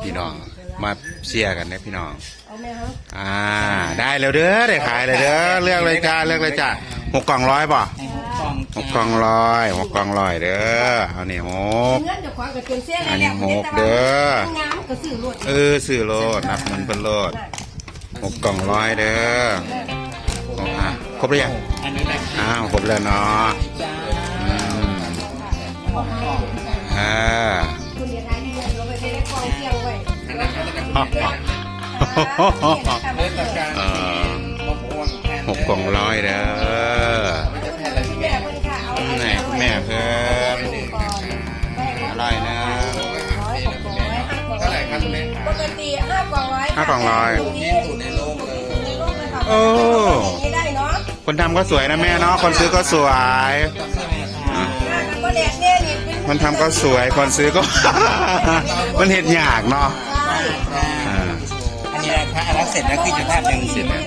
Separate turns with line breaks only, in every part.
พี่น้องมาเชียร์กันนะพี่น้องได้แล้วเด้อได้ขายเลยเด้อเลือกเลยจ้าเลือกเลยจ้า6 กล่องร้อยป่ะ6 กล่องร้อย6 กล่องร้อยเด้อเอานี่6อันนี้6เด้อสื่อโลดนับเงินเป็นโลด6 กล่องร้อยเด้อครบหรือยังครบแล้วเนาะ6 กล่องร้อยเด้อไหนแม่เพิ่มอร่อยนะ
ปกติ5 กล่องร้อย
5 กล่องร้อยโอ้คนทำก็สวยนะแม่เนาะคนซื้อก็สวยคนทำก็สวยคนซื้อก็ มันเห็นยากเนาะ
อันนี้นะคะอันนั้นเสร็จแล้วคือจะแทบยังเสร็จ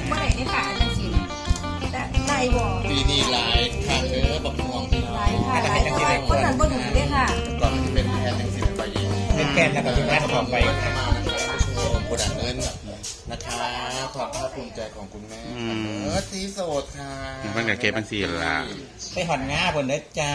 ปี
นี้ลายค่ะเนื้อบักม่วง
หลายคนนั้นบ่ดูเลยค่ะ
ก่อนจะเป็นแทนยังสิบไปยิงเป็นแกนแล้วก็จะแทนต่อไปผู้ดังเงินนะคะความภาคภูมิใจของคุณแม่สีโสดค่ะ
มันกับเก็บเป็นสีละ
ไปหอนง่าบนเด้อจ้า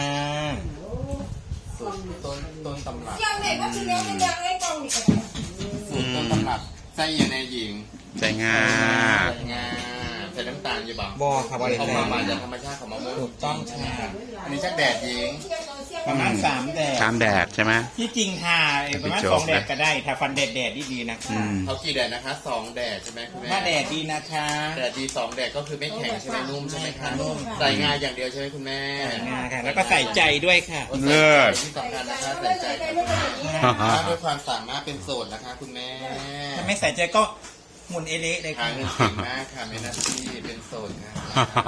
ต้นตำรับ
ยังเด็กก็คือเลี้ยงเป็นยังไงกองนี่กัน
ต้นตำรับไส้ยังในหญิง
ใส่งา
ใส่น้ำตาลอยู่บ้างบ่ครับว่าเขามาจากธรรมชาติของมะม่วงถูกต้องใช่อันนี้ชักแดดหญิงประมาณ3 แดด
ใช่ไหม
ที่จริงค่ะประมาณ2 แดดก็ได้ถ้าฟันแดดดีๆนะคะเขากี่แดดนะคะ2 แดดใช่ไหมคุณแม่ถ้าแดดดีนะคะแดดดี2 แดดก็คือไม่แข็งใช่ไหมนุ่มใช่ไหมคะนุ่มใส่งาอย่างเดียวใช่ไหมคุณแม่งาค่ะแล้วก็ใส่ใจด้วยค่ะ
เลิศ
ที่สำคัญนะคะใส่ใจด้วยความสามารถเป็นโสดนะคะคุณแม่ถ้าไม่ใส่ใจก็หมุนเอเละเลยค่ะเงินเก่งมากค่ะไม่น่าที่เป็นโสดค่ะ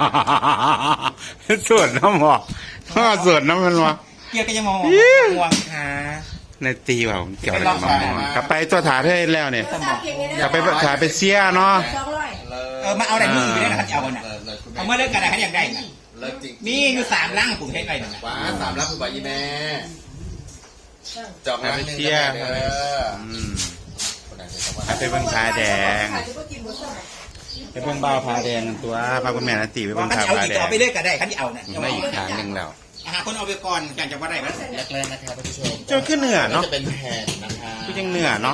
เป็นโสดน้ำหมอกโสดน้ำมันวะ
เกี่ยวกับยมองม่วงค่ะ
ในตีว่าเกี่ยวกับมะม่วงกลับไปตัวถาให้แล้วเนี่ยกลับไปถ่ายไปเสียเนาะ
มาเอาอะไรมือไปได้นะครับเอาเนี่ยเอาเมื่อเลิกกันอะไรอย่างไรนะนี่อยู่3 ลังผมใช้ไปนะ
ว้า
3 ลังคือใบยี่แม่จอก
ไปเสียไปเบิ่งผาแดงไปเบิ่งเบาผาแดงตัวพาคุณแม่นาตีไปเบิ่งผาแดง
เอาไปเรื่อยก็ได้คันที่เอาเนี่ย
ได้อีกทางนึงแล้ว
คนเอาไปก่อนการจะว่าได้ไหมแรกๆนะครับท่านผู้ชม
เจ้าขึ้นเหนือเนาะ
จะเป็นแผ่นนะคะ
คือยังเหนือเนาะ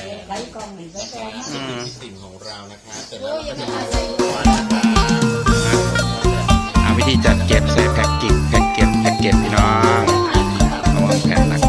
สิ่งของเรานะคะแต่
แล้วก็จะ
วิธีจัดเก็บใส่แพ็กเกจพี่น้องระวังแผ่นหนัก